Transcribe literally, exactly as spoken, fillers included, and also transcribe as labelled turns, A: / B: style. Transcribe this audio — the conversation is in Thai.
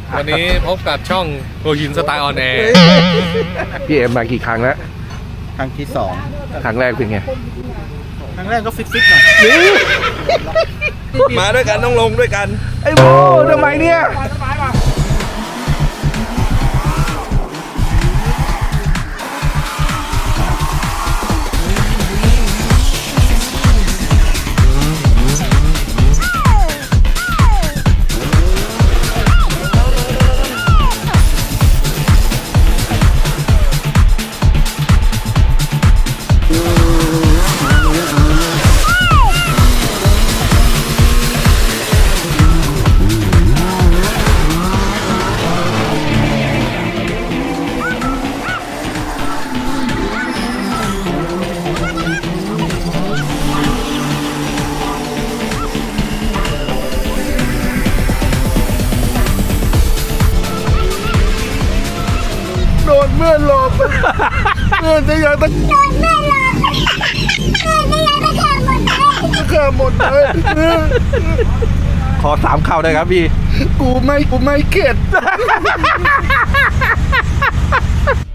A: วันนี้พบกับช่องโกหินสไตล์ออนแอร์
B: พี่เอ็มมากี่ครั้งแล้ว
C: ครั้งที่สอง
B: ครั้งแรกเป็นไง
C: ครั้งแรกก็ฟิตๆหน่อย
A: มาด้วยกันต้องลงด้วยกัน
B: ไอ้โบทำไมเนี่ยโดนเมื่อนหลบเมื่อนจะยังตะโดนเมื่อนหลบเมื่อนจะยังตะขาหมดเลยตะขาหมดเลยขอสามข่าวได้ครับพี่กูไม่กูไม่เข็ด